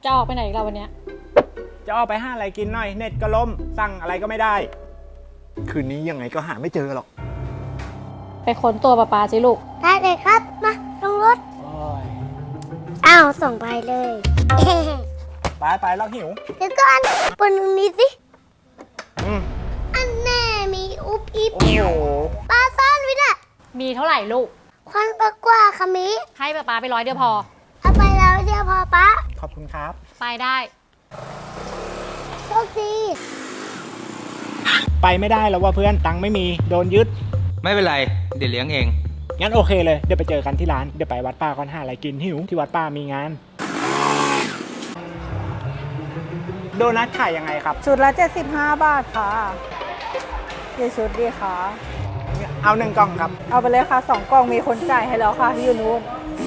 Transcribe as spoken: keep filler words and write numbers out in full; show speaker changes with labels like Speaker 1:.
Speaker 1: จะออกไปไหนอีกแล้ววันเนี้ย
Speaker 2: จะออกไปหาอะไรกินหน่อยเน็ตก็ล่มสั่งอะไรก็ไม่ได้ คืนนี้ยังไงก็หาไม่เจอหรอก
Speaker 1: ไปค้นตัวปลาปลาสิลูก
Speaker 3: ได้เลยครับ มาลงรถ
Speaker 2: โอ้ย
Speaker 3: อ้าวส่งไปเลย
Speaker 2: ไปไปแล้วหิว
Speaker 3: เดี๋ยวก่อนปนตรงนี้สิ
Speaker 2: อืม
Speaker 3: อันแน่มีอุบอิบ
Speaker 2: โอ้โห
Speaker 3: ปลาซ่อนไว้น่ะ
Speaker 1: มีเท่าไหร่ลูก
Speaker 3: ควันปลากว่าค่ะมิ
Speaker 1: ให้ปลาปลาไปร้อยเดียวพอ
Speaker 3: เอาไปแล้วเดียวพอปะ
Speaker 2: ขอบคุณครับ
Speaker 1: ไปได้
Speaker 3: โชคดี
Speaker 2: ไปไม่ได้แล้วว่าเพื่อนตังค์ไม่มีโดนยึด
Speaker 4: ไม่เป็นไร เดี๋ยวเลี้ยงเอง
Speaker 2: งั้นโอเคเลยเดี๋ยวไปเจอกันที่ร้านเดี๋ยวไปวัดป้าก่อนหาอะไรกินหิวที่วัดป้ามีงาน โดนัทขายยังไงครับ
Speaker 5: ชุดละเจ็ดสิบห้าบาทค่ะกี่ชุดดีคะ
Speaker 2: เอาหนึ่งกล่องครับ
Speaker 5: เอาไปเลยค่ะสองกล่องมีคนจ่ายให้แล้วค่ะที่อยู่นู้น